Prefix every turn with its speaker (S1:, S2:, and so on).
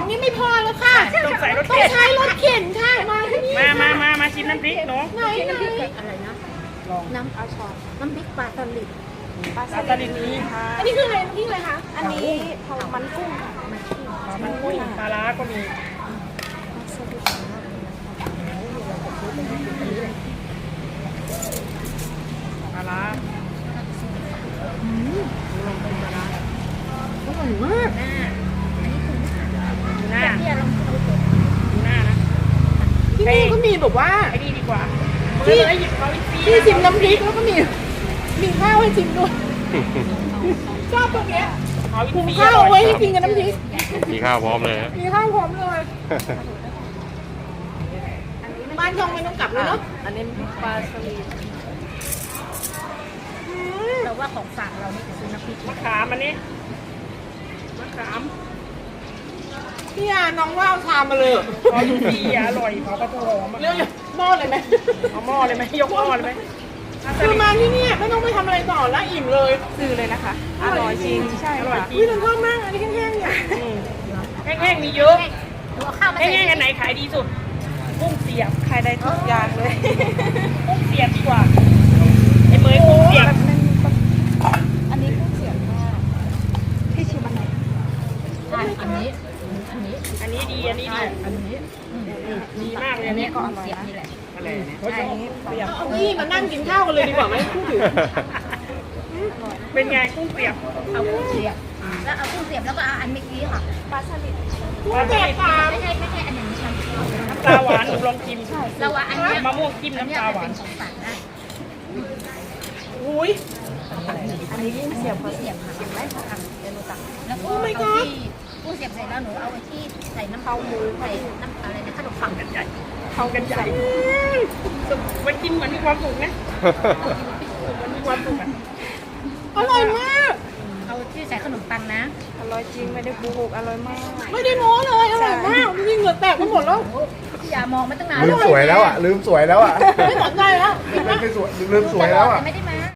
S1: นี่ไม่พอแล้วค่ะ
S2: ต้องใส่รถ
S1: ต้อง
S2: เข็น
S1: ใช้รถเข็นค่ะมาที่นี่
S2: มาชิมน้ำพริกเนาะ
S1: ไหน
S3: อะไรนะน้ำน้ำพริกปลาสลิด
S2: ปลาสลิดนี้ค่ะ
S1: อันนี้คืออะไรนี่อะไรคะ
S3: อันนี้ทองมันกุ้งค่ะมันกุ้ง
S2: มันกุ้งปลาร้าก็มีปลาร้า
S1: อร่อยมาก
S2: ดูหน้าดูหน้านะ
S1: ที่นี่ก็มีแบบว่า
S2: ไอ้นี่ดีกว่า
S1: ที่
S2: เลยหยิบเขาอีกที
S1: ที่ชิมน้ำพริกแล้วก็มีข้าวให้ชิมด้วยชอบตรงเนี้ย
S2: เขาอีก
S1: หุง
S2: ที
S1: ข้าวเอาไว้ให้กินกับน้ำพริก
S4: มีข้าวพร้อมเลยฮะ
S1: มีข้าวพร้อมเลยบ้านช่องไม่ต้องกลับเลยเนาะ
S3: อันนี้ปลาสลิดเราว่าของฝากเรานี่คือน้ำพริก
S2: มะขามอันนี้มะขาม
S1: พี่อาน้องว่าเอาชามมาเลย
S2: เขาอีกทีอร่อยเขาก็ตัวหอม
S1: เรื่องหม้อเลยไหม
S2: เอาหม้อเลยไหมยกหม้อเลยไหม
S1: คือมาที่นี่ไม่ต้องไปทำอะไรต่อแล้วอิ่มเลย
S3: ซื้อเลยนะคะ อร่อยจริงใช่
S2: อร่อย
S3: ค่ะ
S2: จริ
S1: วิ
S2: ง
S1: นชอบมากอันนี้แห้งๆเนี่ย
S2: แห้งๆมีเยอะ
S3: เอาข้าวมา
S2: แห้งๆอันไหนขายดีสุดกุ้งเสียบ
S3: ขายได้ทุกอย่างเลย
S2: กุ้งเสียบดีกว่าไอ้เมยกุ้งเสียบ
S3: อันนี้กุ้งเสียบมากพี่ชิมอันไหนอันนี้
S2: อันนี้ดีอันนี้ดี
S3: อันนี้
S2: ดีมากเลย
S3: อั
S2: อั
S3: น
S2: น
S3: นี้
S2: นี้
S3: ก็อร่อยนี่แหละ
S2: อะไรเนี่ยเขาจะเสียบ
S1: เอาที่มานั่งกินข้าวกันเลยดีกว่าไหมพูดถึง
S2: เป็นไงกุ้งเสียบ
S3: เอากุ้งเสียบแล้วเอากุ้งเสียบแล้วก็เอาอันเมื่อกี้ค่ะปลาสลิด
S1: กุ้งแตกปาก
S3: ไม่ใช่อันอย่างนี้ค่ะ
S2: น้ำปลาหวานหนูลองชิม
S3: เราว่าอันเนี้ย
S2: มะม่วงจิ้ม
S3: อันเนี้
S2: น้ำ
S3: ย
S2: ปลาห
S3: เป็
S2: วาน
S3: นของฝากได้
S1: อุ้ย
S3: อันนี้กุ้งเสียบค่ะเสียบได้ค่ะเดี๋ยวหนูตักแล้วก็เอาที่กุ้งเสียบเสร็จแล้วหนูเอาไปที่ใส่น้ำเต้าหู้ใส่น้ำอะไรนะขนมปัง
S2: กันใหญ่เข้ากันใหญ่มันกินเหมือนมีความสุขนะมันมีความสุขอ่ะ
S1: อร่อยมาก
S3: เอาที่ใส่ขนมปังนะ
S5: อร่อยจริงไม่ได้โกหกอร่อยมาก
S1: ไม่ได้โม้เลยอร่อยมากจริงๆเหงื่อแตกไปหมดแล้ว
S3: อย่ามองมาตั้งนาน
S4: ลืมสวยแล้วอ่ะ ลืมสวยแล้วอ่ะ
S1: ไม่สนใจแล้ว
S4: ไม่สวยลืมสวยแล้วอ่ะ
S3: ไม่ได้มา